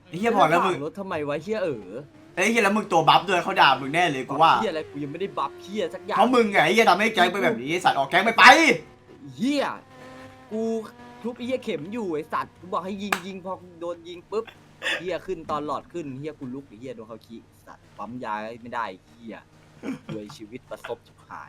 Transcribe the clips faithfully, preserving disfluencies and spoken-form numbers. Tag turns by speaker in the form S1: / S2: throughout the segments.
S1: ไอ้เหี้ยพอแล้วมึง
S2: รถทำไมวะเฮียเออ
S1: ไอ้เหี้ยแล้วมึงตัวบัฟด้วยเขาด่ามึงแน่เลยกูว่า
S2: เฮียอะไรกูยังไม่ได้บัฟเฮียสักอย่าง
S1: เพราะมึงไงไอ้เหี้ยทำให้แก๊งเป็นแบบนี้สัตว์ออกแก๊งไปไป
S2: เฮียกูทุบไอ้เฮียเข็มอยู่ไอ้สัตว์กูบอกให้ยิงยิงพอโดนยิงปุ๊บเฮียขึ้นตอนหลอดขึ้นเฮียกูลุกไอ้เฮียโดนเขาขี้สัตว์ปั๊มยาไม่ได้เฮียด้วยชีวิตประสบชิบหาย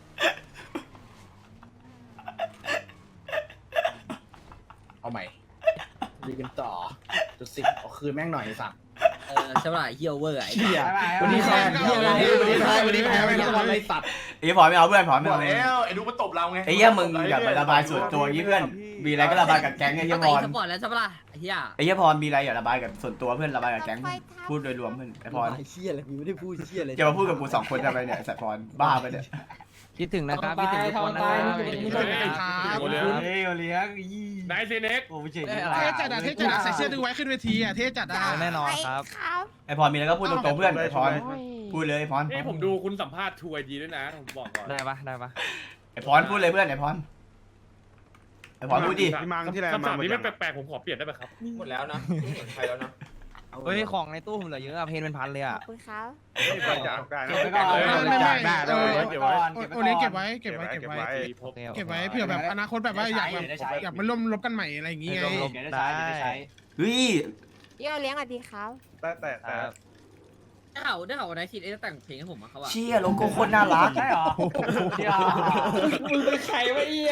S3: เอาใหม่ดีกันต่อจุดสิบเอาคืนแม่งหน่อยสั่ง
S4: เออใช่ป่ะเฮียเวอร์ไอ้
S3: เชี่ย
S4: วั
S3: วัน น
S4: นี้
S3: นี้
S4: แพ้
S3: แพ้วันนี้วันนี้แพ้วันนี้แพ้ไม่ต้องวันไรสัตว์
S1: ไอ้เหี้ยพอไม่เอาเพื่อนพอไม่
S5: บอ
S1: เอา
S5: ก
S1: เลย
S5: แล้วไอ้ดูมันตบเราไง
S1: ไอ้เหี้ยมึงอย่าไประบายส่วนตัวอย่างนี้เพื่อนมีอะไรก็ระบายกับแก๊งไอ้เหี้ยพ
S4: ตี
S1: ร
S4: สปอร์ตแล้วใช่ป่ะไอ้เฮีย
S1: ไอ้เหี้ยพรมีอะไรอย่าระบายกับส่วนตัวเพื่อนระบายกับแก๊งพูดโดยรวมเพื่อนไอ้พร
S2: เฮียอะไรกูไม่ได้พูดเฮียอะไร
S1: จะมาพูดกับกูสองคนทำไมเนี่ยไอ้สัตว์พรบ้าไปเนี่ย
S6: คิดถึงนะครับคิดถึงทุกคนนะครับ
S7: โอเลี้ยง
S1: เฮ้ยเลี้ยง
S7: นายเซเน็ก
S1: โอ้ไม่ใช่
S6: อะไร
S8: เท่จัดอะเท่จัดอะใส่เสื้อดูไว้ขึ้นเวทีอะเท่จัดอะ
S6: แน่นอนครับ
S1: ไอ้พรมีอะไรก็พูดตรงๆเพื่อนไอ้พรพูดเลยไอ้พร
S7: นี่ผมดูคุณสัมภาษณ์ทัวร์ดีด้วยนะผมบอกก่อน
S6: ได้ปะได้ปะ
S1: ไอ้พรพูดเลยเพื่อนไอ้พรไอ้พรพูดดิ
S7: พี่มังที่ไรมานี่ไม่แปลกๆผมขอเปลี่ยนได้ไหมครับ
S5: หมดแล้วนะไม่เห็นใครแล้วนะ
S6: เฮ้ยของในตู้ผมเหลือเยอะอะเพนเป็นพันเลยอะ
S9: ขอบคุณครับ
S5: ไปจากได้นะ
S8: ไม่ไม่
S5: ได้
S8: เออ
S5: เก็บไว้
S8: โอเลี้ยงเก็บไว้เก็บไว้เก็บไว้
S6: โอเค
S8: เก็บไว้เผื่อแบบอนาคตแบบว่าอยากแบบอยากมาร่วมรบกันใหม่อะไรอย่างงี้ไง
S6: ได้
S1: เฮ้ย
S9: พี่เอาเลี้ยงสวัสดีครับ
S5: แต่แต่แต่
S4: ได้ข่าวได้ข่าววันไหนคิดไอ้แต่งเพลงให้ผมมาเขาอะ
S1: เชี่ยโลโก้โคตรน่ารักใช่หรอ
S4: มึงเป็นใครวะเอี้ย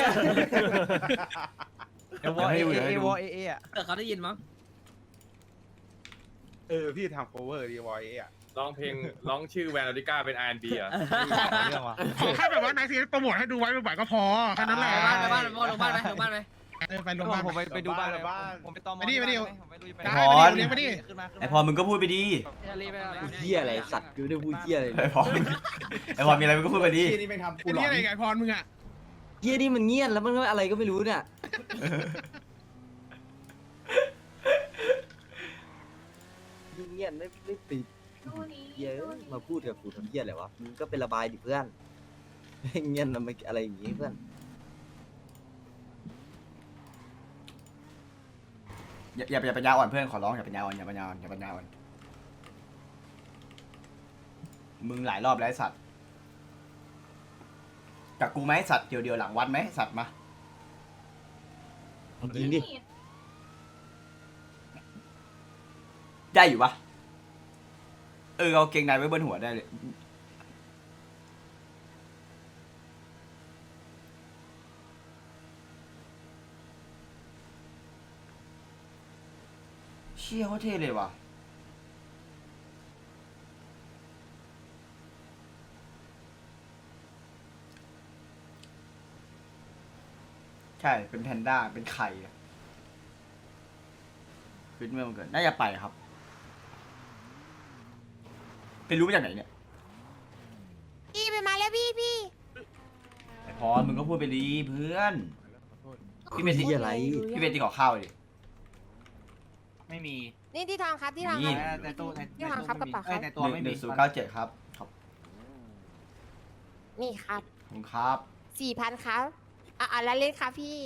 S6: เอวเอเอเอวเอเออะ
S4: เออเขาได้ยินมั้ง
S5: เออพี่ทำ cover ดีวอยอ่ะ
S7: ร้องเพลงร้องชื่อแวนอริก้าเป็น อาร์ แอนด์ บี อ่ะ
S6: เรื่องวะ
S8: ขอแค่แบบว่านายทีโปรโมทให้ดูไว้บ่อยๆก็พอแค่นั้นแหละ
S4: ไปบ้านไปบ้านลงบ้านไปลงบ้านไป
S8: เออไปโรงพยาบาล
S6: ผมไปไปดูบ้านเลยผมไปตอมผมไปดูไป
S8: ได้ไปดิเลี้ยงไปดิ
S6: ขึ้นมา
S1: ไอ้พรมึงก็พูดไปดี
S2: เฮียอะไรสัตว์กูไม่ได้พูดเฮียอะไร
S1: ไอ้พรไอ้พรมีอะไรมึงก็พูดไปดี
S3: ที่นี่แม่งทำกู
S8: ไอ้
S3: หลอ
S8: นี่
S3: น
S8: อะไรไก่พรมึงอะ
S2: เฮียนี่มันเงียบแล้วมันก็อะไรก็ไม่รู้เนี่ยเงียบไม่ไม่ติดเยอะมาพูดกับกูทำเฮียอะไรวะมึงก็เป็นระบายดิเพื่อนเงียบนะมันอะไรอย่างงี้เพื่อน
S1: อย่าอย่าอย่าปัญญาอ่อนเพื่อนขอร้องอย่าปัญญาอ่อนอย่าปัญญาอ่อนอย่าปัญญาอ่อนมึงหลายรอบแล้วไอ้สัตว์กับกูไหมสัตว์เดียวเดียวหลังวัดไหมสัตว์มา
S2: ยิงดิ
S1: ได้อยู่ปะเออเอาเกงในไว้บนหัวได้เลยเชี่ยเขาเท่เลยว่ะใช่เป็นแพนด้าเป็นไข่อะฟิตเมื่อมันเกิดน่าจะไปครับไปรู้มาจากไหนเนี่ย
S9: พี่ไปมาแล้วพี่พี่
S1: ไอพรมึงก็พูดไปดีเพื่อน พี่เป็น
S2: เฮียอะไร
S1: พี่เป็นที่ขอข้าวดิ
S6: ไม่มี
S9: นี่ที่ทองครับที่ทอง
S1: นี่
S9: ครับ
S6: แต่ตู้
S9: ที่ทองครับกระเป๋าครับ
S6: แต่ตัวไม่
S1: ห
S6: มี
S1: นึ่งศูนย์เก้าเจ็ดครับครับ
S9: นี่ครับ
S1: ขอบคุณครับ
S9: สี่พันครับอ่ะอ่ะแล้วเล่นครับพี่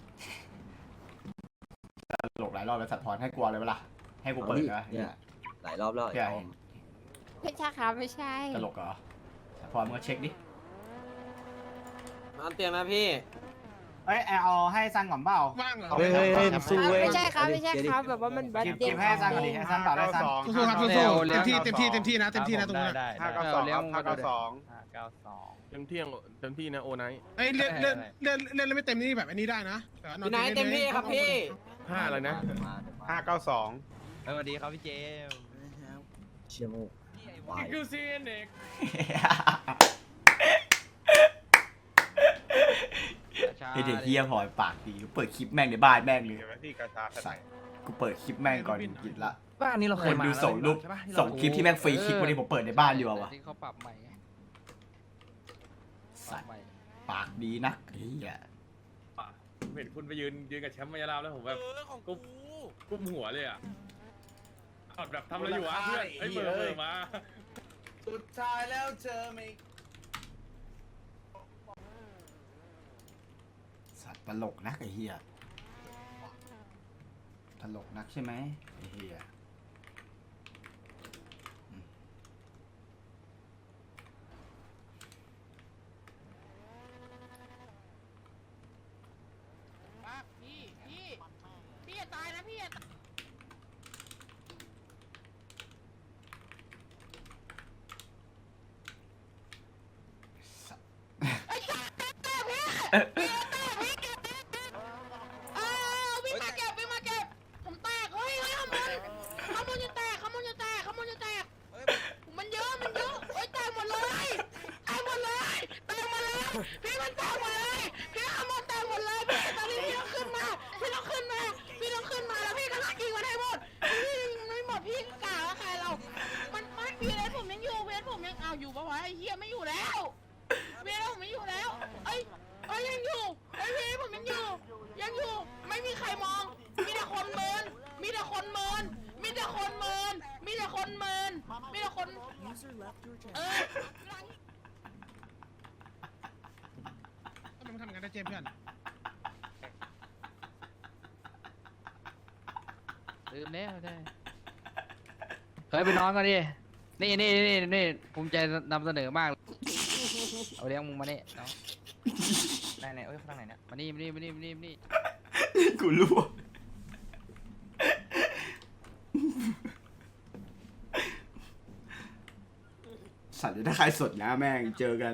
S1: ตลกหลายรอบแล้วสัตว์พรให้กลัวเลยเวลาให้กูเปิดนะ
S2: เนี่ยหลายรอบแล้ว
S1: พี่อยากเห็น
S9: ไม่ใช่ครับไม่ใช่
S1: ตลกเหรอสัตว์พรมึงก็เช็คดิ
S4: นอนเตียงนะพี่
S6: เอ้ยเอาให้ซันก่อนเปล่า
S8: ว่างเหรอ
S2: เฮ้ยเฮ้ยเฮ้ยสู้เว้ย
S9: ไม่ใช่ครับไม่ใช่ครับแบบว่ามันบัต
S6: เก็บ
S9: เด็
S6: เก็บให้ซันก่อนดิให้ซันต่อได้ซัน
S8: สู้ๆครับสู้ๆเต็มที่เต็มที่เต็มที่นะเต็มที่นะตรงนั้น
S5: ห้าเก้าสองครับห้าเก้าสอง
S6: ห้าเก้าสอง
S7: เต็มที่เต็มที่นะโอไนท์
S8: เอ้ยเล่นเล่นเล่นเล่นไม่เต็มนี่แบบอันนี้ได้นะ
S4: พี่ไหนเต็มที่ครับพี่
S7: ห้าอะไรนะ
S5: ห้าเก้าสอง
S6: สวัสดีครับพี่เจม
S2: เชี่ยโมวาย
S7: นี่คือซีเน็ก
S1: ไอเด็กเฮียพรปากดีกูเปิดคลิปแม่งในบ้านแม่งเลย
S5: เก็บไว้ที่กระชาใส่
S1: กูเปิดคลิปแม่งก่อนกินละ
S6: บ้านนี้เรา
S1: ค
S6: เคย
S1: น
S6: มา
S1: ดูส่งรูปส่งคลิปที่แม่งฟรีคลิปวันนี้ผมเปิดในบ้านอยู่อะวะ
S6: ที่เขาปรับใหม่
S1: สัตว์ปากดีนักเฮีย
S7: เห็นคุณไปยืนยืนกับแชมป์มายาลาวแล้วผมแบบกุมกุมหัวเลยอ่ะแบบทำอะไรอยู่วะเพื่อนไอ้เบอร์เบอร์มา
S3: สุดท้ายแล้วเจอไม่
S1: สัตว์ตลกนักไอ้เฮียตลกนักใช่ไหมไอ้เฮีย
S9: วิ่งมาเก็บวิ่งมาเก็บผมแตกเฮ้ยเฮ้ยขโมยขโมยจะแตกขโมยจะแตกขโมยจะแตกมันเยอะมันเยอะเฮ้ยแตกหมดเลยแตกหมดเลยแตกหมดเลยพี่มันแตกหมดเลยพี่ขโมยแตกหมดเลยพี่ตอนนี้พี่ต้องขึ้นมาพี่ต้องขึ้นมาพี่ต้องขึ้นมาแล้วพี่ก็ลากยิงมันให้หมดพี่ยิงไม่หมดพี่กล่าวว่าใครเรา มันมันวีเอสผมยังอยู่วีเอสผมยังเอาอยู่ปะวะไอ้เฮียไม่อยู่แล้ววีเอสผมไม่อยู่แล้วเอ้ยเอ้ยยังอยู่ไอ้วีเอสผมยังอยู่ยังอยู่ไม่มีใครมอง มีแต่คนเมินมีแต่คนเมินมีแต่คนเมินมีแต่คนเมินมีแต่คนเออ
S8: ต้องทำงานได้เจมเพื่อน
S6: ลืมแล้วได้เคยไปนอนกันดินี่นี่นี่นี่ภูมิใจนำเสนอมากเอาเลี้ยงมึงมาเนี่ยน้องไหนไหนเอ้ยข้างไหนเนี่ยมานี่มานี่มานี่มานี่มานี่
S1: กูรู้สัตว์ถ้าใครสดนะแม่งเจอกัน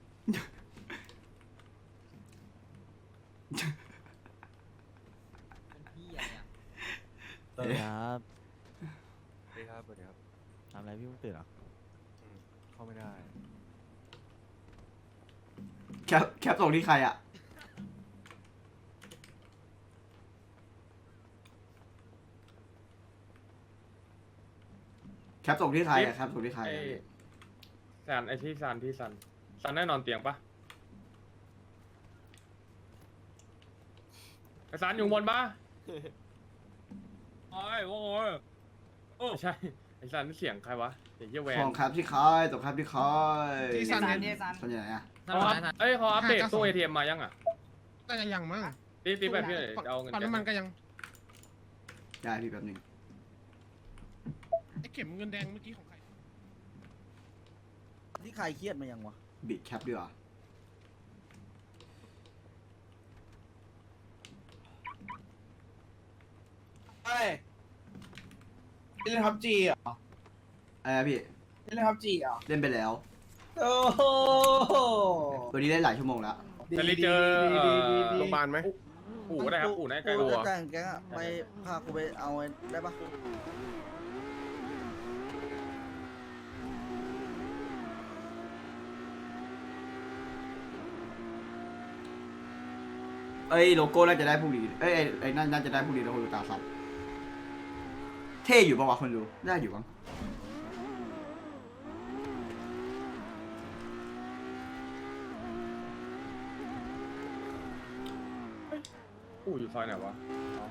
S10: สวัสดีครับสวัสดีครับสวัสดีครับทำอะไรพี่เพิ่งตื่นเหรอเข้าไม่ได้
S1: แคปแคปส่งที่ใครอะแคปส่งที่ใครอะแคปส่งที่ใคร
S7: ไอ้
S1: อะ
S7: ซันไอ้ที่ซันที่ซันซันได้นอนเตียงปะไอ้ซันอยู่บนปะโอ้ยโอ้ยโอ้ใช่ไอ้ซันนี่เสียงใครวะเสียงเยี่ยแวน
S1: ส่งครับที่ใครส่งครับที่ใคร
S8: ที่ซัน
S6: ซัน
S8: เนี่ย
S6: เนี่ยซัน
S1: ส่วนใหญ่อะ
S7: เขาอัพเอ้ยเขาอัปเดตตู้เอทีเอ็มมายังอ่ะ
S8: น่าจะยังมั้ง
S7: ตีตีแบบพี่หน่อยจะเอาเงิน
S8: ปั๊มน้ำมันก็ยัง
S1: ได้พี่แป๊บหนึง
S8: ไอ้เข็มเงินแดงเมื่อกี้ของใคร
S2: ที่ใครเครียดมายังวะ
S1: บิดแคปดีกว่า
S3: เฮ้ยเล่นทับจีเหรอ
S1: อะไรนะพี่
S3: เล่นทับจีเหรอ
S1: เล่นไปแล้ว
S3: โอ้โห
S1: วันนี้เล่นหลายชั่วโมงแล้ว
S7: จะรีเจอเอ่อ
S5: โรงพยาบาลไหม
S7: อู่ก็ได้ครับอู่ไหนใกล้อู่
S2: แต่งแกงอะไปพากูไปเอาได้ปะ
S1: เอ้ยโลโก้น่าจะได้พรุ่งนี้เอ้ยไอ้ไอ้นั่นน่าจะได้พรุ่งนี้แล้วคนดูตาสัตว์เท่อยู่ปะวะคนดูได้อยู่มั้ง
S7: อู่อยู่ซอยไหนวะอ๋อ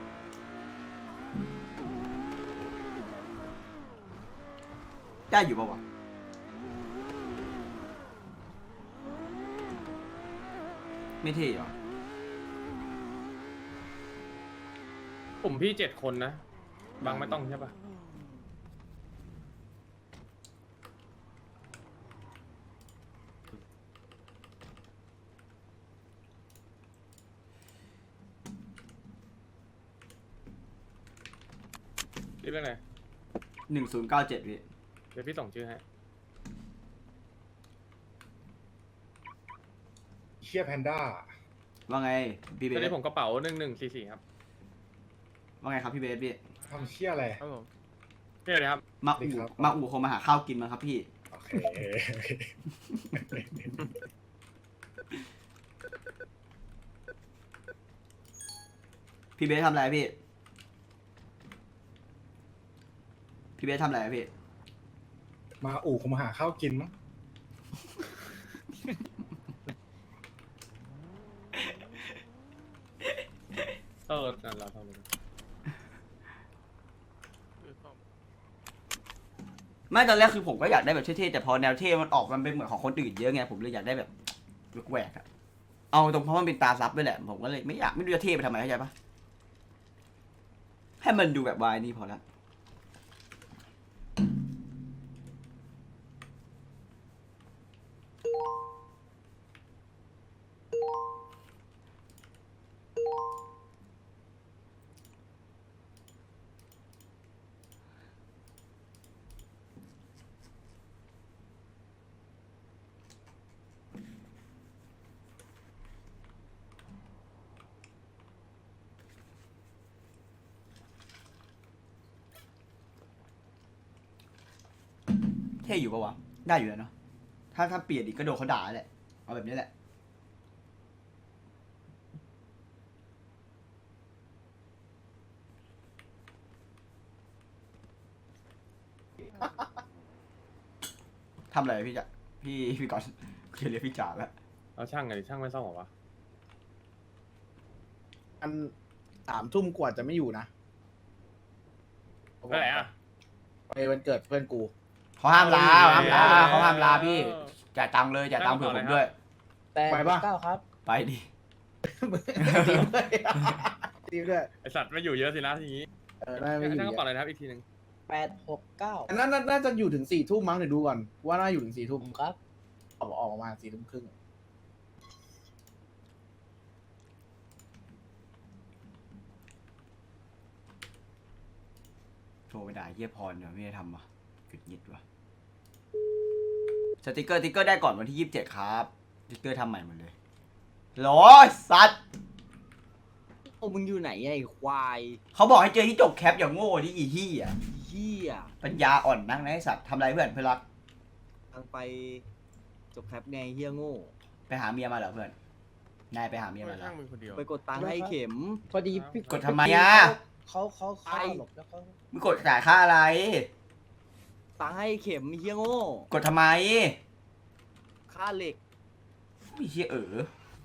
S1: ได้อยู่ปะวะไม่เท่เหรอ
S7: กลุ่มพี่เจ็ดคนนะบางไม่ต้องใช่ปะรีบไปไหน
S1: หนึ่งศูนย์เก้าเจ็ดพี่
S7: เดี๋ยวพี่ส่งชื่อให้
S3: เชียแพนด้า
S1: ว่าไงพี่เบ
S7: ตอน
S1: ส
S7: นี้ผมกระเป๋าหนึ่งหนึ่งสี่สี่ครับ
S1: ว่าไงครับพี่เบสพี่
S3: ทำเชียอะไร
S7: ครับผมพี่อะไรครับ
S1: มาอู่
S3: ครับ
S1: มาอู่คงมาหาข้าวกินมาครับพี่
S3: โอเค
S1: พี่เบสทำอะไรพี่ พี่เบสทำอะไรพี่
S3: มาอู่คงมาหาข้าวกินมั้ง
S7: เออนั่นเราทำเลย
S1: ไม่ตอนแรกคือผมก็อยากได้แบบเท่ๆแต่พอแนวเท่มันออกมันเป็นเหมือนของคนอื่นเยอะไงผมเลยอยากได้แบบแหวกๆอะเอาตรงเพราะมันเป็นตาซับด้วยแหละผมก็เลยไม่อยากไม่รู้จะเท่ไปทำไมเข้าใจปะให้มันดูแบบวายนี่พอละท่อยู่ปะวะได้อยู่แล้วเนาะถ้าถ้าเปลี่ยนอีกก็โดนเขาด่าแหละเอาแบบนี้แหละทำอะไรพี่จ๋าพี่พี่ก่อนเคลียร์พี่จ๋าแล้ว
S7: เอาช่างไงดิช่างไม่ซ่อมหรอวะ
S3: อันสามทุ่มกว่าจะไม่อยู่นะ
S7: ไปไหนอ่ะ
S3: ไปวันเกิดเพื่อนกู
S1: เขาห้ามลาห้ามลาเขาห้ามลาพี่จ่ายตังค์เลยจ่ายตังค์เผื่อผมด้วย
S3: แต่
S5: ไปปะ
S3: เก้าครับ
S1: ไปดิ
S3: ทีมด้วยทีมด้วย
S7: ไอสัตว์ไม่อยู่เยอะสินะทีนี้
S3: เออน่าไม่อยู่
S7: ช่างก็
S3: เย
S7: ปล่อย
S3: อะ
S7: เลยนะครับอีกทีหนึ่ง
S2: แปดหกเก้า
S3: อันนั้นน่าน่าจะอยู่ถึงสี่ทุ่มมั้งเดี๋ยวดูก่อนว่าน่าอยู่ถึงสี่ทุ่ม
S2: ครับ
S3: ออกออกประมาณสี่ทุ่มครึ่ง
S1: โทรไปด่าเฮียพรเดี๋ยวไม่ได้ทำว่ะหยุดหยิดว่ะสติกเกอร์สติกเกอร์ได้ก่อนวันที่ยี่สิบเจ็ดครับสติกเกอร์ทำใหม่หมดเลยโหลสัตว์
S2: โอ้มึงอยู่ไหนไอ้ควาย
S1: เขาบอกให้เจอที่จบแคปอย่างโง่ที่อีที่อ่ะ
S2: เหี้ย
S1: ปัญญาอ่อนนักนะไอสัตว์ทำไรเพื่อนเพื่อนรัก
S2: ทางไปจบแคปไงเหี้ยโง่
S1: ไปหาเมียมาเหรอเพื่อนนายไปหาเมียมาเหรอ
S7: ช่างมึงคนเดียว
S2: ไปกดตังค์ให้เข็ม
S3: พอดีพี่
S1: กดทำไมอ่ะ
S3: เขาเขาเขาหลบแล้วเขา
S1: มึงกดจ่ายค่าอะไร
S2: ตังค์ให้เข็มเหี้ยโง่
S1: กดทำไม
S2: ค่าเหล็ก
S1: ไม่เชี่ยเออ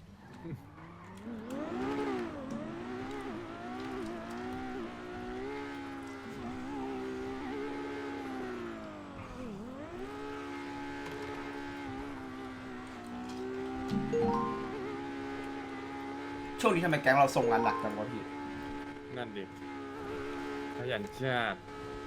S1: ช่วงนี้ทำไมแก๊งเราส่งงานหลักจังวะพี่
S7: นั่นดิขยันจัด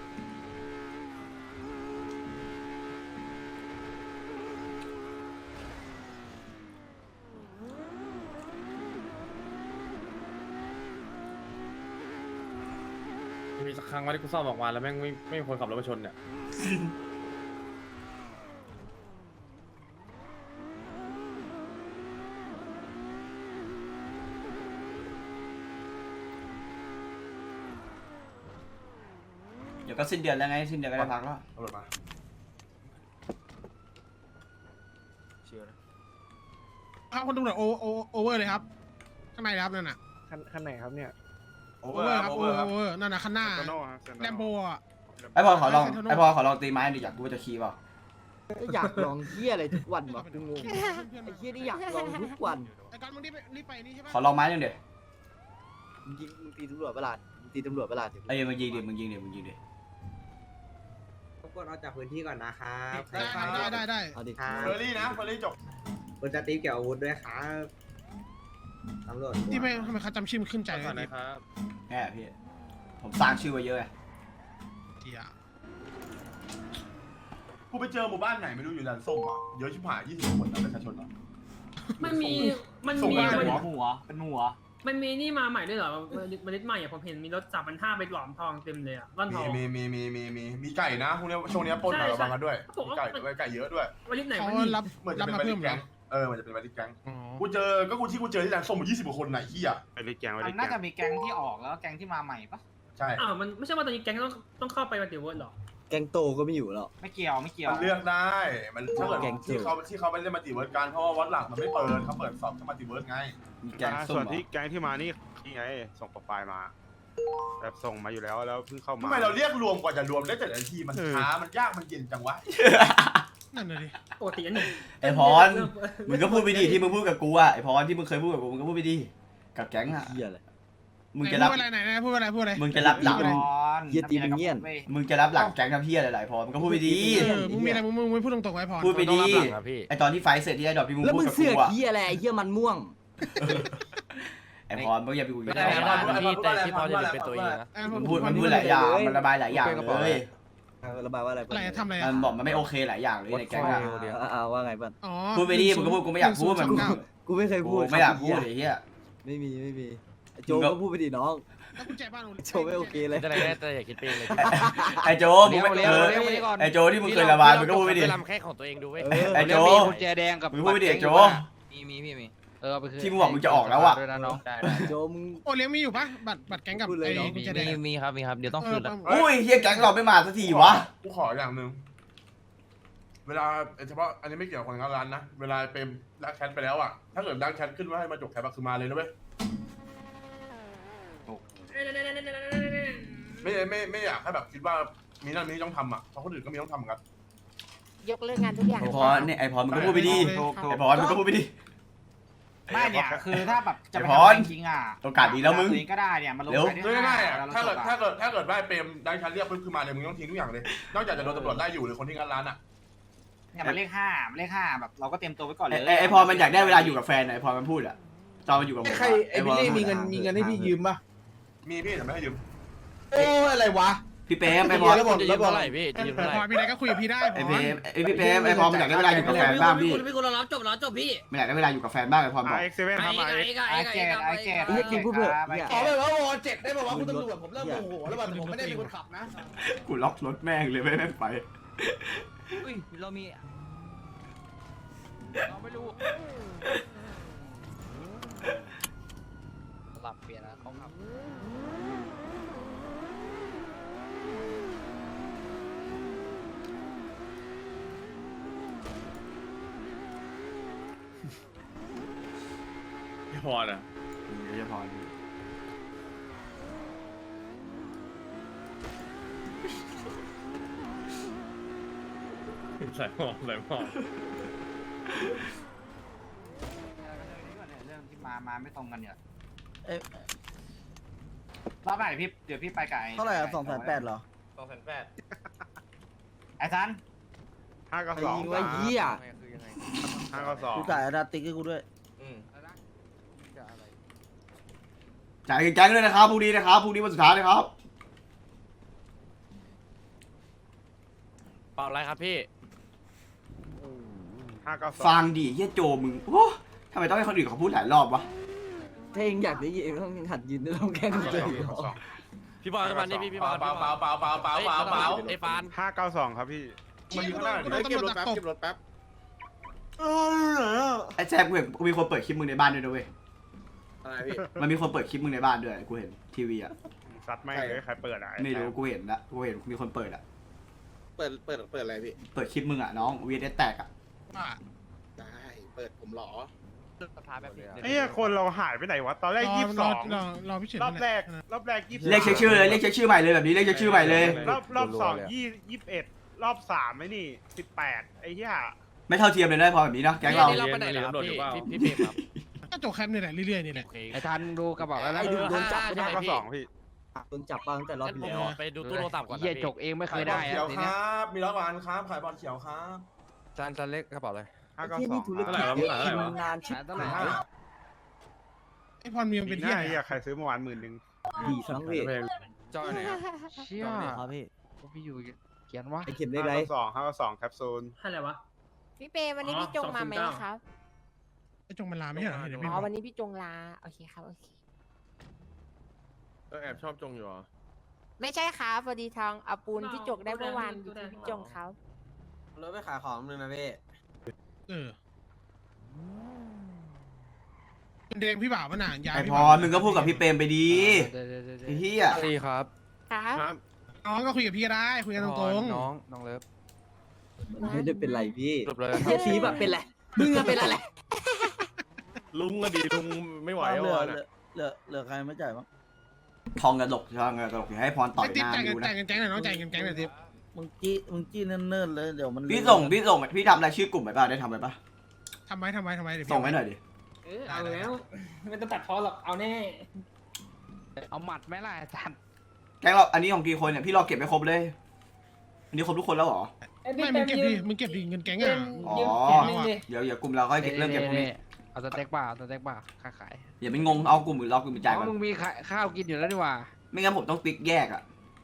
S7: มีสักครั้งวันที่กูซ่อมออกมาแล้วแม่งไม่ไม่มีคนขับรถมาชนเนี่ย
S1: เดี๋ยวก็สิ้นเดือนแล้วไงสิ้นเดือนก็ได้พักแล้ว
S5: เอารถมา
S8: ครับคนตำรวจโอโอโอเวอร์เลยครับข้างในเลยครับนั่นน่ะ
S3: ขั้นขั้นไหนครับเนี่ย
S5: โอ
S8: โอ
S5: เวอ
S8: เวอ
S5: ร์
S8: ร์
S5: ค
S8: ค
S5: รั
S8: รั
S5: บบ โอ
S8: โอ
S5: เว
S8: เว
S5: อ
S8: อ
S5: ร์
S8: ร์ โอเวอร์นั่นน่ะข้างหน้า
S5: เซนโน่ฮะเซนโน่
S8: แลมโบอ่ะ
S1: ไอพอขอลองไอพอขอลองตีไม้ดิอยากรู้ว่าจะคีย์เปล่า
S2: อยากลองเหี้ยอะไรทุกวันวะกูงงไอ้เหี้ยนี่อยากลองทุกวัน
S8: ไอ้การมึงรีบไปรีบไปนี่ใช่ปะ
S1: ขอลองไม้หนึ่งเดี๋ยว
S2: มึงยิงมึงตีตำรวจเวลามึงตีตำรวจเวลาถึง
S1: ไอ้ยมึงยิงดิมึงยิงดิมึงยิงดิ
S11: รบกวนเอาจากพื้นที่ก่อนนะครับ
S8: ได้ได้ได้ได้
S2: เอาดิ
S11: ครับ
S5: เฟอร์รี่นะเฟอร์รี่จบ
S11: คุณจะตีเกี่ยวอาวุธด้วยครับตำรวจ
S8: ที่ไม่ทำไมเขาจำชื่อมันขึ้นใจ
S7: ใจ
S8: เลย
S7: ก่อน
S8: ดิ
S7: นะครับ
S1: แน่พี่ผมสร้างชื่อไว้เยอะไง
S8: เหี้ย
S5: กูไปเจอหมู่บ้านไหนไม่รู้อยู่แลนด์ส้มอ่ะเยอะชิบหายยี่สิบคนนะประชาชนอ่ะ
S9: มันมี มัน
S5: ส่ง
S9: มี
S5: มา
S9: มัน
S5: หัว
S10: หัว เป็นหัว
S9: มันมีนี่มาใหม่ด้วยเหรอเมล็ดใหม่อะผมเห็นมีรถจับมันห้าไปหลอมทองเต็มเลยอะร่อนท
S5: มี
S9: อง
S5: มีมีมีมีมีมีไก่นะพวกเนี้ยช่วงเนี้ยปล้นหน่อย
S9: ใช่
S5: ระวังกันด้วย
S9: ผม
S5: มี
S9: ว่า
S5: ไก่ด้วยไก่เยอะด้วย
S9: เมล็ดไหน
S8: เขา
S9: มันนี่
S8: รับ
S5: เหมือนจะ
S8: รับ
S5: เป็น
S8: มา
S5: บ
S8: เพิ่
S5: ริ
S8: ม
S5: ษ
S8: เหร
S5: แก๊
S8: อง
S5: เออเหมือนจะเป็นบริษแก๊ง
S8: อ๋อ
S5: กูเจอก็กูที่กูเจอที่แลนด์ส้มยี่สิบกว่าคนไหนขี้อ่ะ
S7: ไปรีแกงไปรีแก
S10: น่าง จะมีแก๊งที่ออกแล้วแก๊งที่มาใหม่ปะ
S5: ใช่
S9: อ้าวมันไม่ใช่ว่าตอนนี้แก๊งต้องต้องเข้าไปปฏิวัติหรอ
S2: แกงโตก็ไม่อยู่แล้ว
S10: ไม่เกี่ยวไม่เกี่ยว
S5: มันเลือกได้มันถ้าเกิด
S2: แก๊ง
S5: ที่เขาที่เขาไม่ได้มาติเวิร์ดกันเพราะว่าวัดหลักมันไม่เปิดเขาเปิดสอบแค่มาติเวิร์ดไง
S1: มีแกงส้ม
S5: ส่วน
S1: เหรอ
S5: ที่แก๊งที่มานี่นี่ไงส่งโปรไฟล์มาแบบส่งมาอยู่แล้วแล้วเพิ่งเข้ามา
S3: ทำไมเราเรียกรวมกว่าจะรวมได้แต่ละทีมันช้ามันยากมันเย็นจังวะ
S8: นั่นน่ะดิ
S9: ปกติอันหนึ่ง
S1: ไอพรมึงก็พูดไปดิที่มึงพูดกับกูอะไอพรที่มึงเคยพูดกับกูมึงก็พูดไปดิกับแก๊งอะ
S2: เหี้ยอะไร
S1: มึง
S8: ไหน
S1: จะรับ
S8: พูดอะไรไหนไหนพูดอะไรพูดอะไร
S1: มึงจะรับหลัง
S2: เหี้ยตีมึงเงี้ยน
S1: มึงจะรับหลังแก๊งทำเพี้ยอะไรหลายพรมึงก็พูดไปดี
S2: เอ
S8: เออมึงมีอะไรมึงมึงมึงพูดตรงๆไว้พอ
S1: พูดไปดี
S10: ต้องรับหลังอะพี่
S1: ไอตอนที่ไฟท์เสร็จที่ไอดอกที่มึง
S2: แล้ว
S1: พู
S2: มึ
S1: ด
S2: ง
S1: กับ
S2: เสื
S1: กู
S2: อก
S1: อะ
S2: เหี้ยอะไรไอ้เหี้ยมันม่วง
S1: ไอพรมึงอย่าไปกูอ
S10: ไม่
S1: ยู่
S10: ได้
S1: ใน
S10: นะ
S1: บ้าน
S10: พี่แต่ที่พอจะเป็นตัวเองนะ
S8: เออ
S1: มันพูดมันพูดหลายอย่างมันระบายหลายอย่างเลย
S2: เออระบายว่าอะไร
S8: อะไรทำอะไร
S1: มั
S8: อะ
S1: นบอกมันไม่โอเคหลายอย่างเลยในแก๊งอะ
S2: อ่าอ่าว่าไงบ้าง
S8: อ๋อ
S1: พูดไปดิมึงก็พูดกูไม่อยากพูดมัน
S8: หงศูย์สามเก้า
S2: กูไม่เคย
S1: กู
S2: พูด
S1: ไม่อยากพูด
S2: ครับ
S1: ไอ้เหี้ย
S2: ไม่มีไม่มีไอ้โจ
S1: มึงก็
S2: ก็พูดไปดิน้อง
S8: แล้วกุญแจบ้าน
S2: โจไม่โอเคเลย
S10: จะอะไรได้แต่อย่าคิดไปเองเลย
S1: ไอโจมึงไม่
S10: เลี้
S1: เอ
S10: ยว
S1: อ
S10: เลี้ยวมานี่ก่อน
S1: ไอโจที่มึงเคยระบายมึงก็พูดไปดิ
S10: ไปลำแค่ของตัวเองดูเว้ย
S2: เออ
S1: ไอ้โจ
S10: มีกุญแจแดงกับ
S1: มึงพูดไปดิไอ้โจ
S10: มีมีพี่มีเออเอาไปคืน
S1: ที่มึงบอกมึงจะออกแล้วอะ
S10: ด้วยนะน้องได้
S2: โจมึง
S8: โอเลี้ยงมีอยู่ปะบัตรบัตรแก๊งกับ
S2: พูดเลย
S8: ไอ้
S2: น้อง
S8: กุญแจแด
S10: มี
S8: ง
S10: มีครับมีครับเดี๋ยวต้องคืนแล้ว
S8: เออ
S1: อุ้ยเฮียแก๊งเราไม่มาสักทีวะ
S5: กูขออย่างหนึ่ง
S12: เวลาเฉพาะอันนี้ไม่เกี่ยวกับคนงานร้านนะเวลาเป็นดักแชทไปแล้วอ่ะถ้าเกิดดักแชทขึ้นว่าให้มาจบแคปอะคือมาเลยนะเว้ยไม่ไม่ไม่อยากให้แบบคิดว่ามีนั่นมีนี่ต้องทำอ่ะเพราะคนอื่นก็มีต้องทำเหมือนกัน
S9: ยกเลิกงานทุกอย่าง
S1: ไอพอเนี่ยไอพอมันก็พูดไปดิไอพอมันก็พูดไปดิ
S3: ไม่เนี่ยคือถ้าแบบจะไป
S1: ไอ้พร
S3: ทำจริงๆอ่ะ
S1: โอกาสดีแล้วมึง
S3: ตัวเองก็ได้เนี่ยมันลง
S1: เร็ว
S3: ไปได้
S12: ไม่ไม่อะ
S3: แล้วร
S12: ถ้าเกิด
S3: จบอะ
S12: ถ้าเกิดถ้าเกิดว่าเปรมดักแชทเรียกปุ๊บคือมาเลยมึงต้องทิ้งทุกอย่างเลยนอกจากจะโดนตำรวจไล่อยู่หรือคนที่งานร้านอ่ะ
S3: เนี่ยมันเลขห้ามันเลขห้าแบบเราก็เตรียมตัวไว้ก่อน
S1: ไอ
S3: เลย
S1: ไอ้ไอพอมันอยากได้เวลาอยู่กับแฟนอะไอพอมันพูดอะตอนมันอยู่กับผม
S3: ใครไอ้บิลลี่มีเงินมีเงินให้พี่ยืมป่ะ
S12: มีพี่แต่ไม่ให้ยืม
S3: โอ้อะไรวะ
S1: พี่เป๊มไอพอ
S3: แล้วบอกแล้วบอกอะไรพี่
S8: ไอพอมีอะไรก็คุยกับพี่ได้
S1: ไอเป๊มไอพี่เป๊มไอพอมันอยากได้เวลาอยู่กับแฟนบ้างพี่
S4: คุณพี่คุณเรารับจบเราจบพี่
S1: มันอยากได้เวลาอยู่กับแฟนบ้างไอพอบอก
S5: ไอเอ็กซ์เซเว่นครับไอ
S4: ไอ้
S5: เอ็กซ์
S4: ไอ้ไอ้ไอ้ไอ้
S3: ไอ้เจ็ดไอ้เจ็ด
S2: เฮียกินพูดเถอะเฮีย
S3: ขอเลยว่าวอเจ็ดได้ป่าวะคุณตำรวจผมเริ่มโมโหแล้วแบบผมไม่ได้เป็นคนขับนะ
S1: กูล็อกรถแม่งเลยไม่แม่งไป
S6: อุ้ยเรามีเราไม่รู้สลับเปลี่ยนนะเขาขับ
S7: พี่พรอ่ะ
S1: เดี๋ยวจะพอ
S7: ใส่หมอกใส่หมอก
S3: เรื่องที่มามาไม่ตรงกันเนี่ยรอบไหนพี่เดี๋ยวพี่ไปกับไอ้
S2: เท่าไหร่อ่ะสองแสนแปดเหรอ
S7: สองแสนแปด
S3: ไอ้ซัน
S5: ห้าเก้า
S2: ใคร
S5: สอง
S2: ยิงไว้เฮีย
S6: คือยังไง
S5: ห้าเก้าสอง
S2: กูจ่ายอาราติกให้กูด้วย
S7: อืม
S6: จะอะไร
S1: จ่ายเงินแก๊งด้วยนะครับพรุ่งนี้นะครับพรุ่งนี้วันสุดท้ายนะครับ
S7: เปล่าอะไรครับพี่
S5: ห้าเก้าสอง
S1: ฟังดิเฮียโจมึงโอ้ทำไมต้องให้คนอื่นเขาพูดหลายรอบวะ
S2: ถ้าเองอยากได้ยินต้องหัดยินต้องแกล้งกูเลย
S7: พี่บอลมานี่พี่พี่บอล
S12: เปล่าเปล่าเปล่าเปล่าเปล่าเปล่าเปล่า
S7: ไอ้ฟาน
S5: ห้าเก้าสองครับพี่
S12: มันอยู่ข้างหน้า
S8: กูโดนตำรวจดักตบ
S1: ไอ้แจ๊บกูเห็นมีคนเปิดคลิปมึงในบ้านด้วยนะเว้ย
S3: อะไรพี่
S1: มันมีคนเปิดคลิปมึงในบ้านด้วยกูเห็นทีวีอะ
S5: ซัดไม่เลยใครเปิดอ่ะ
S1: ไม่รู้กูเห็นละกูเห็นมีคนเปิดอะ
S3: เปิดเปิดเปิดอะไรพี่
S1: เปิดคลิปมึงอะน้องวีเอสแตกอะ
S8: ว่า
S3: ได้เปิดผมหรอ
S6: สภาแบบนี้
S5: ไอ้คนเราหายไปไหนวะตอนแรก
S8: รอ
S5: ยี่สิบส
S8: รอ
S5: อง
S8: รอรอพี่เฉิน
S5: รอบแรก
S8: นั่นน่ะ
S5: รอบแรกยี่สิบ
S1: เรียกเช็คชื่อเลยเรียกเช็คชื่อใหม่เลยแบบนี้เรียกเช็คชื่อใหม่เลย
S5: รอบรอบสองยี่ยี่สิบเอ็ดรอบสามไอ้นี่สิบแปดไอ้เหี้ย
S1: ไม่เท่าเทียมเลยนะพอแบบนี้เนาะแก๊งเรา
S7: เราไปไหนแล้วพี่พี่เบมครับ
S8: ก็จบแคมป์นี่แหละเรื่อยๆนี่แหละ
S6: ไอ้ทันดูกระบอกแล้วนะ
S2: ไอ้ดูโดนจับไม่ได้
S5: ห้าเก้าสองพี่
S2: โดนจับบ้างแต่รอบที่แล้ว
S7: ไปดูตู้โทรศัพท์ก่อน
S6: เยี่ยจกเองไม่เคยได้
S12: เขียว
S6: ที
S12: ค
S6: เนี้ย
S12: รับมีร้อยวันครับขายบอลเขียวครับ
S7: จานจานเล็กกระเป๋าเลย
S5: ห้าเก้า
S2: ที่
S5: สอ
S2: นี่
S5: ง
S2: ธุรกิจเยอะกินนานชิบ
S6: เท่าไหร่
S2: หาย
S8: ไอพรมีมันเป็น
S5: ห
S8: ที่
S5: น้า
S8: ไหน
S5: เหี้ยใครซื้อเมื่อวานหมื่นหนึ่ง
S2: ดีทั้งเวท
S7: จอยไหนครับ
S6: เชี่ย
S10: ครับพี่
S6: พี่อยู่เขียนว่า
S2: ไอเข็มได้
S5: ห้า
S2: ไร
S5: เก้าสองห้าเก้าสองแคปซูล
S4: อะไรวะ
S9: พี่เปวันนี้พี่จงมาไหมครับ
S8: ไอจงมันลาไม่ใช่เหรอเดี๋ยวไม่
S9: อ๋
S8: รู้
S9: อวันนี้พี่จงลาโอเคครับโอเค
S7: แอบชอบจงอยู่เหรอ
S9: ไม่ใช่ครับพอดีทองเอาปูนพี่จกได้เมื่อวานอยู่ที่พี่จงเขา
S11: รถไปขายของนึงนะพี่
S8: เออเป็นเดงพี่บ่าวมันหนาย้าย
S1: ไอ
S8: พี่
S1: พ
S8: บ่า
S1: อ
S8: ว
S1: มึงก็พูดกับพี่เปรมไปดี
S6: เดี๋ยวเดี๋ยวเดี๋ยว
S1: ไอ้เหี้ย
S7: ดีครับ
S9: ครับ
S8: น้องก็คุยกับพี่ก็ได้คุยกันตรง
S7: น้องน้องเลิฟ
S2: มันไม่ได้เป็นไรพี่
S7: จบเลย
S2: เฮียสีแบบเป็นไรมึงอะเป็นอะไร
S7: ลุงก็ดีลุงไม่ไหว
S2: เหลื
S7: แล้ว
S2: อ
S7: นะ
S2: เหลือเหลือใครไม่จ่ายบ้าง
S1: ทองกระดกทองกระดกอย่าให้พร
S8: ๆ
S1: ต่อ
S8: ไอย
S1: ห
S8: ติ๊บ
S1: น้า
S8: จ่ายเงิ
S1: ดู
S8: น
S1: นะ
S8: จ่ายเงินแก๊งหน่อยน้องจ่ายเงินแก๊งหน่อยติ๊บ
S2: มึงจี้มึงจี้เนิ่นๆเลยเดี๋ยวมัน
S1: พี่ส่งพี่ส่งพี่ทำอะไรชื่อกลุ่มไปป่ะได้ทำไปป่ะ
S8: ทำไว้ทำไว้ทำไว้เดี๋ยวพี่
S1: ส่งไว้หน่อยดิ
S4: เออเอาแล้วไม่ต้องตัดพอหรอกเอาแน่
S6: เอาหมัดไหมล่ะอาจารย์
S1: แก๊งเราอันนี้ของกี่คนเนี่ยพี่รอเก็บไปครบเลย อันนี้ครบทุกคนแล้วเหรอ
S8: ไม่มึงเก็บดิมึงเก็บดิเงินแก๊งอ่ะ
S1: อ๋อเดี๋ยวเดี๋ยวกลุ่มเราก็เริ่มเก็บพวกนี้
S6: เอาสเต็กป่าเอาสเต็กป่าค้าขาย
S1: อย่าเป็นงงเอากลุ่มอื่นรอกลุ่มอื่นจ่าย
S6: อ๋
S1: ก่อ
S6: อน มึงมีข้าวกินอยู่แล้วดีกว่า
S1: ไม่งั้นผมต้องติ๊กแยกอ่ะ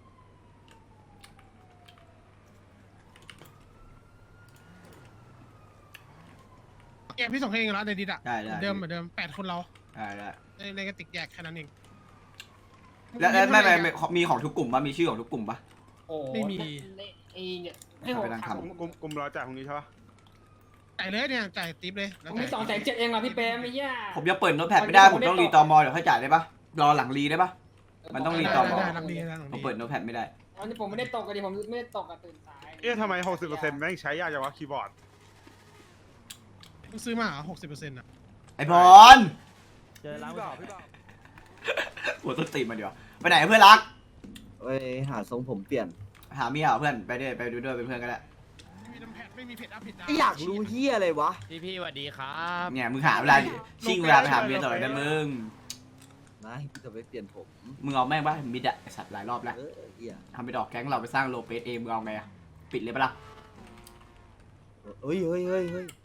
S8: แกพี่ส่งให้เองแล้วในดิดอ่ะ
S1: ได้ได้
S8: เดิมเหมือนเดิมแปดคนเรา
S1: ได้ได้
S8: ในกระติกแยกแค่นั้นเอง
S1: แล้วแล้วไม่ไม่ไม่มีของทุกกลุ่มป่ะมีชื่อของทุกกลุ่มป่ะ
S4: โอ้
S8: ไม่มี
S4: ไอ้เนี่ยให้ผม
S1: ไปนั่ง
S4: ถาม
S1: ทำ
S5: กลุ่มกลุ่มเราจ่ายตรงนี้ใช่ปะ
S8: จ่ายเลยเนี่ยจ่ายติ๊บเลยแล้ว
S4: ผมมีสองแสนเจ็ดเองเหรอพี่เปรมไม่ยาก
S1: ผมยังเปิดโน้ตแพดไม่ได้ผมต้องรีตอมอเดี๋ยวค่อยจ่ายได้ป่ะรอหลังรีได้ป่ะมันต้องรีตอมอ
S8: ได้หลังดีได้หลัง
S1: ผม
S8: ดี
S1: เปิดโน้ตแพดไม่ได้
S9: อันนี้ผมไม่ได้ตกกันดิผมไม่ได้ตกกันตื่นสาย
S5: เอ๊ะทำไมหกสิบเปอร์เซ็นต์แม่งใช้ยากจังวะคีย์บอร์ด
S8: มึงซื้อมาหกสิบเปอร์เซ็นต์อ่ะ
S1: ไอบอล
S10: เจอแล้วพี่บ่าว
S1: หัวต้นตีนมันดีกว่าไปไหนเพื่อนรัก
S2: เอ้ยหาทรงผมเปลี่ยน
S1: หาเมียเหรอเพื่อนไปด้วยไปดูด้วยเป็นเพื่อนกันแหละ
S8: ไม่มีน้ำแพดไม่มีเผ็ดอัพเผ็ดดาว
S2: อยากรู้เฮียอะไรวะ
S6: พี่พี่สวัสดีครับ
S1: เนี่ยมึงหาเวลาชิ่งเวลาไปหาเมียตลอดนะมึง
S2: นะพี่จะไปเปลี่ยนผม
S1: มึงเอาแม่งป่ะมิดอะไอ้สัตว์หลายรอบแล้ว
S2: เออเฮีย
S1: ทำไปดอกแก๊งเราไปสร้างโลเปสเองมึงเอาไงอะปิดเลยปะล่ะ
S2: เฮ้ยเฮ้ยเฮ้ยเฮ้ย